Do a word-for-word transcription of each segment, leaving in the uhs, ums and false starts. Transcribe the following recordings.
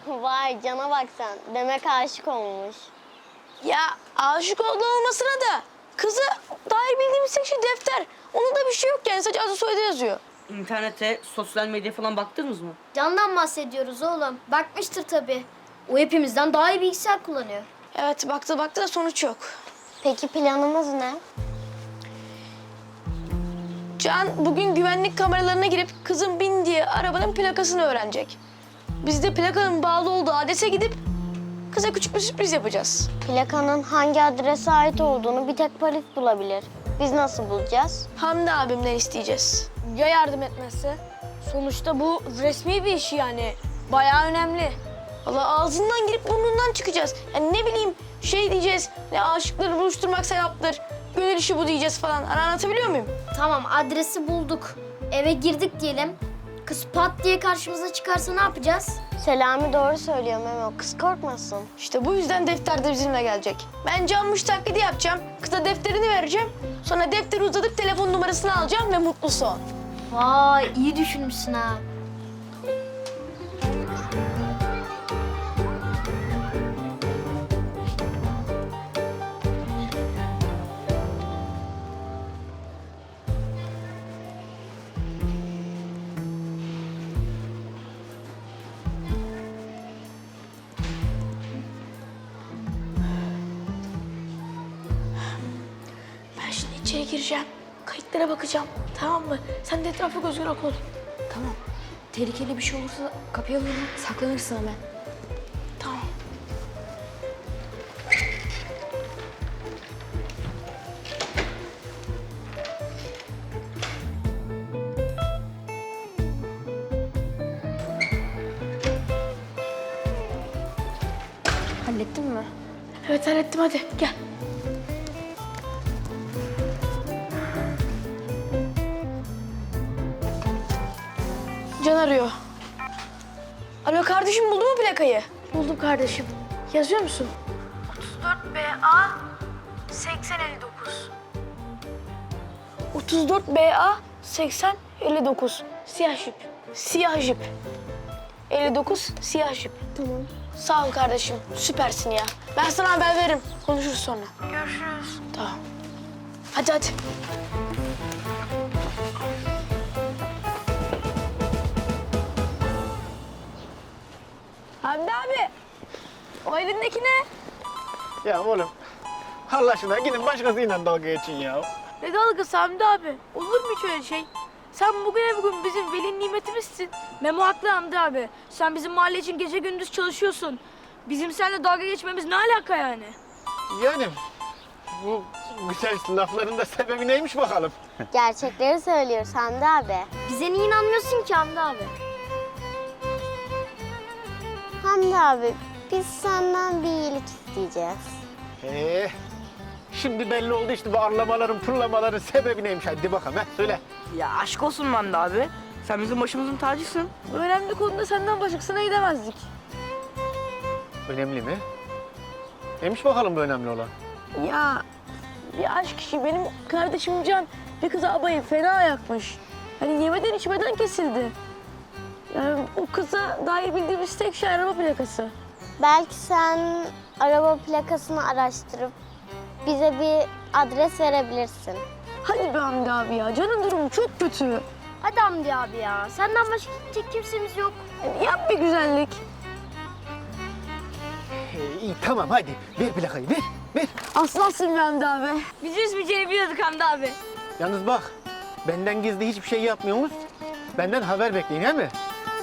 Vay cana bak sen. Demek aşık olmuş. Ya aşık olduğu olmasına da kızı dair bildiğimiz tek şey defter. Onda da bir şey yok yani, sadece adı soyadı yazıyor. İnternete, sosyal medyaya falan baktınız mı? Candan bahsediyoruz oğlum. Bakmıştır tabii. O hepimizden daha iyi bilgisayar kullanıyor. Evet, baktı baktı da sonuç yok. Peki planımız ne? Can bugün güvenlik kameralarına girip kızın bindiği arabanın plakasını öğrenecek. Biz de plakanın bağlı olduğu adrese gidip kıza küçük bir sürpriz yapacağız. Plakanın hangi adrese ait olduğunu bir tek polis bulabilir. Biz nasıl bulacağız? Hamdi abimden isteyeceğiz. Ya yardım etmezse? Sonuçta bu resmi bir iş yani. Bayağı önemli. Valla ağzından girip burnundan çıkacağız. Yani ne bileyim şey diyeceğiz, ne aşıkları buluşturmak sevaptır, gönül işi bu diyeceğiz falan. Hani anlatabiliyor muyum? Tamam, adresi bulduk. Eve girdik diyelim. Kız pat diye karşımıza çıkarsa ne yapacağız? Selami doğru söylüyor Memo. Kız korkmasın. İşte bu yüzden defter de bizimle gelecek. Ben canmış taklidi yapacağım, kıza defterini vereceğim. Sonra defteri uzatıp telefon numarasını alacağım ve mutlu son. Vay, iyi düşünmüşsün ha. Ben şimdi içeri gireceğim, kayıtlara bakacağım, tamam mı? Sen de etrafa göz kulak ol. Tamam. Tehlikeli bir şey olursa kapıya vurun. Saklanırsın hemen. Tamam. Hallettin mi? Evet hallettim, hadi gel. Can arıyor. Alo kardeşim, buldun mu plakayı? Buldum kardeşim. Yazıyor musun? otuz dört B A seksen elli dokuz. otuz dört B A seksen elli dokuz. Siyah jip. Siyah jip. elli dokuz siyah jip. Tamam. Sağ ol kardeşim. Süpersin ya. Ben sana haber veririm. Konuşuruz sonra. Görüşürüz. Tamam. Hadi hadi. Hamdi abi. O elindeki ne? Ya oğlum, Allah aşkına gidin başkasıyla dalga geçin ya. Ne dalgası Hamdi abi? Olur mu hiç öyle şey? Sen bugüne bugün bizim veli nimetimizsin. Memo haklı Hamdi abi. Sen bizim mahalle için gece gündüz çalışıyorsun. Bizim seninle dalga geçmemiz ne alaka yani? Yani bu güzel lafların da sebebi neymiş bakalım? Gerçekleri söylüyoruz Hamdi abi. Bize niye inanmıyorsun ki Hamdi abi? Hamdi abi biz senden bir iyilik isteyeceğiz. Ee, şimdi belli oldu işte bu arlamaların, pırlamaların sebebi neymiş? Hadi bakalım, he, söyle. Ya aşk olsun Manda abi. Sen bizim başımızın tacısın. Önemli konuda senden başkasına gidemezdik. Önemli mi? Neymiş bakalım bu önemli olan? Ya bir aşk işi, benim kardeşim Can bir kıza abayı fena yakmış. Hani yemeden içmeden kesildi. Yani o kıza dair bildiğimiz tek şey araba plakası. Belki sen araba plakasını araştırıp bize bir adres verebilirsin. Hadi be Hamdi abi ya, Can'ın durumu çok kötü. Hadi Hamdi abi ya. Senden başka gidecek kimsemiz yok. Yani yap bir güzellik. Ee, iyi tamam hadi, ver plakayı, ver, ver. Aslansın be Hamdi abi. Biz üzmeyeceğini biliyorduk Hamdi abi. Yalnız bak, benden gizli hiçbir şey yapmıyorsunuz. Benden haber bekleyin, he mi?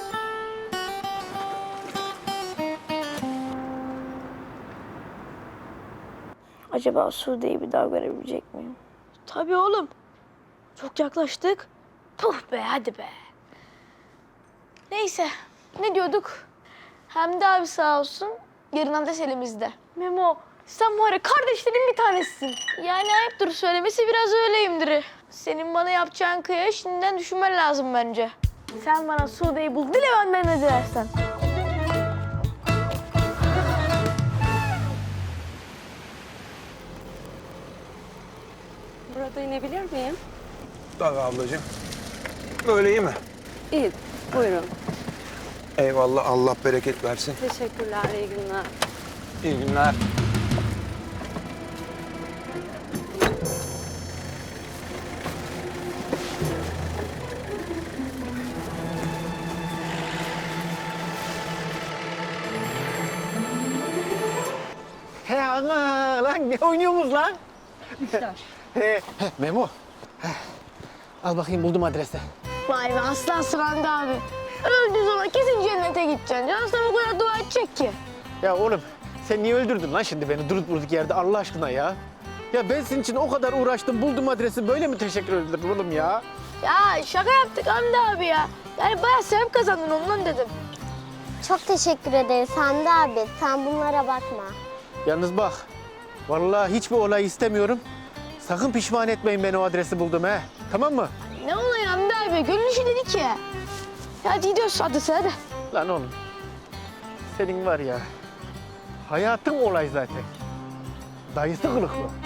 Acaba Sude'yi bir daha görebilecek miyim? Tabii oğlum. Çok yaklaştık. Puh be, hadi be. Neyse, ne diyorduk? Hamdi abi sağ olsun, yarın adres elimizde. Memo, sen var ya kardeşlerin bir tanesisin. Yani ayıptır söylemesi, biraz öyleyimdir. Senin bana yapacağın kıyaya şimdiden düşünmen lazım bence. Sen bana Sude'yi bul, dile benden ne dilersen. Burada inebilir miyim? Tabii ablacığım. Böyle iyi mi? İyi, buyurun. Eyvallah, Allah bereket versin. Teşekkürler, iyi günler. İyi günler. He ana lan ne oynuyorsunuz lan? He, he, Memo. He. Al bakayım buldum adresi. Vay be aslansın Hamdi abi. Öldüğün zaman kesin cennete gideceksin. Can sana bu kadar dua edecek ki. Ya oğlum sen niye öldürdün lan şimdi beni durup durduk yerde Allah aşkına ya? Ya ben senin için o kadar uğraştım buldum adresi böyle mi teşekkür ederim oğlum ya? Ya şaka yaptık Hamdi abi ya. Yani bayağı sevap kazandın ondan dedim. Çok teşekkür ederiz Hamdi abi. Sen bunlara bakma. Yalnız bak vallahi hiçbir olay istemiyorum. Sakın pişman etmeyin beni o adresi buldum he. Tamam mı? Ne oluyor Hamdi abi? Gönül işi dedik ya. Hadi gidiyoruz hadi hadi. Lan oğlum senin var ya hayatın olay zaten. Dayısı kılıklı.